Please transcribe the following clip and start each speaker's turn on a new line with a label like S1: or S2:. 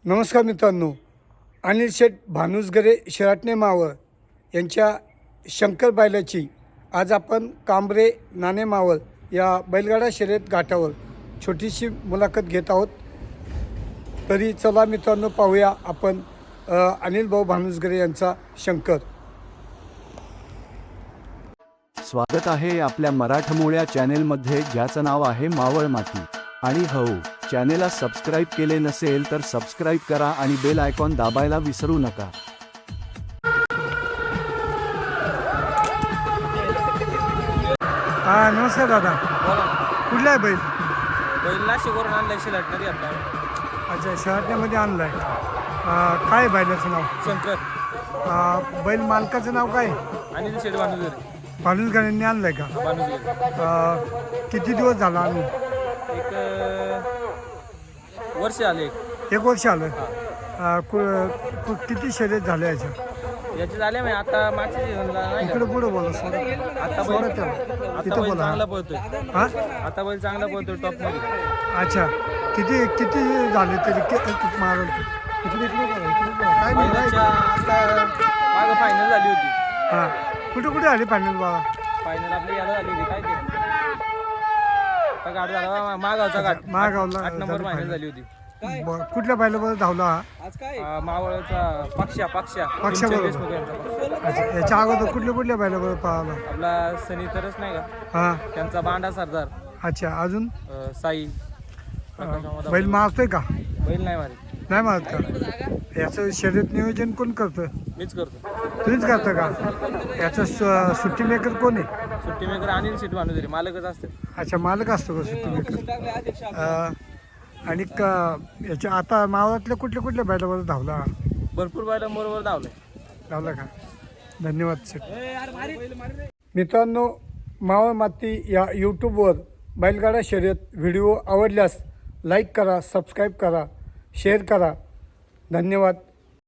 S1: नमस्कार मित्रांनो, अनिल शेठ भानुसगरे शिराटणे मावळ यांच्या शंकर बैलाची आज आपण कांबरे नाणे मावळ या बैलगाडा शर्यत घाटावर छोटीशी मुलाखत घेत आहोत। तरी चला मित्रांनो पाहूया आपण अनिल भाऊ भानुसगरे यांचा शंकर।
S2: स्वागत आहे आपल्या मराठमोळ्या चॅनेलमध्ये, ज्याचं नाव आहे मावळ माती। आणि हो, चॅनेलला सबस्क्राइब केले नसेल तर सबस्क्राइब करा आणि बेल आयकॉन दाबायला विसरू नका।
S1: नमस्कार दादा, कुठला आहे बैल?
S3: बैल नाशिकवरून आणलाय शिलाटणारी आपल्याला।
S1: अच्छा, शिराटण्यामध्ये आणला आहे। काय बैलाचं नाव?
S3: शंकर।
S1: बैल मालकाचं नाव काय?
S3: अनिल शेठ भानुसगरे।
S1: भानुसगरेंनी आणलं आहे का?
S3: भानुसगरे।
S1: किती दिवस झाला आणून?
S3: एक वर्ष आले।
S1: एक वर्ष आलं। किती शर्यत झाले याच्या?
S3: याचे झाले मी आता मागच्या सीझनला नाही का?
S1: इकडे पुढे बोला सोडा।
S3: आता
S1: सोडा
S3: बैल
S1: त्याला
S3: आता
S1: तिथं
S3: बैल
S1: बोला।
S3: चांगला पळतोय।
S1: हां,
S3: आता बैल चांगला पळतोय टॉप मध्ये।
S1: अच्छा, किती किती झाले तरी मारल? इकडे इकडे बोला, इकडे बोला। काय नाही
S3: बैलाच्या आता मागं फायनल झाली होती।
S1: हां, कुठे कुठे आली फायनल बाबा?
S3: फायनल आपली याला झाली होती, काय ते आता घाट झाला मागावचा घाट।
S1: महागावला
S3: 8 नंबर
S1: झाली
S3: फायनल
S1: final.
S3: झाली होती।
S1: कुठल्या बैलाबरोबर धावला हा?
S3: मावळचा पक्षा
S1: पक्षाबरोबर.
S3: देशमुख यांचा पक्ष।
S1: अच्छा, याच्या अगोदर कुठल्या बैलाबरोबर पाहिला?
S3: आपला सनी तरच नाही का,
S1: हां,
S3: त्यांचा बांडा सरदार
S1: अच्छा, अजून
S3: साई प्रकाश अहमद
S1: बैल मारतोय का?
S3: बैल नाही मारे,
S1: नाही मारत का? याचं शर्यत नियोजन कोण करतं?
S3: मीच करतो।
S1: तुम्हीच करता का? याचं सुट्टी मेकर कोण आहे?
S3: सुट्टी मेकर अनिल शेठ भानुसगरे मालकच असते।
S1: अच्छा, मालक असतो का सुट्टी मेकर? आणि याच्या आता मावळातल्या कुठल्या बैलाबरोबर धावला?
S3: भरपूर बैल बरोबर धावले।
S1: धावला का? धन्यवाद शेठ। मित्रांनो, मावळ माती या यूट्यूबवर बैलगाडा शर्यत व्हिडिओ आवडल्यास लाईक करा, सबस्क्राईब करा, शेअर करा। धन्यवाद।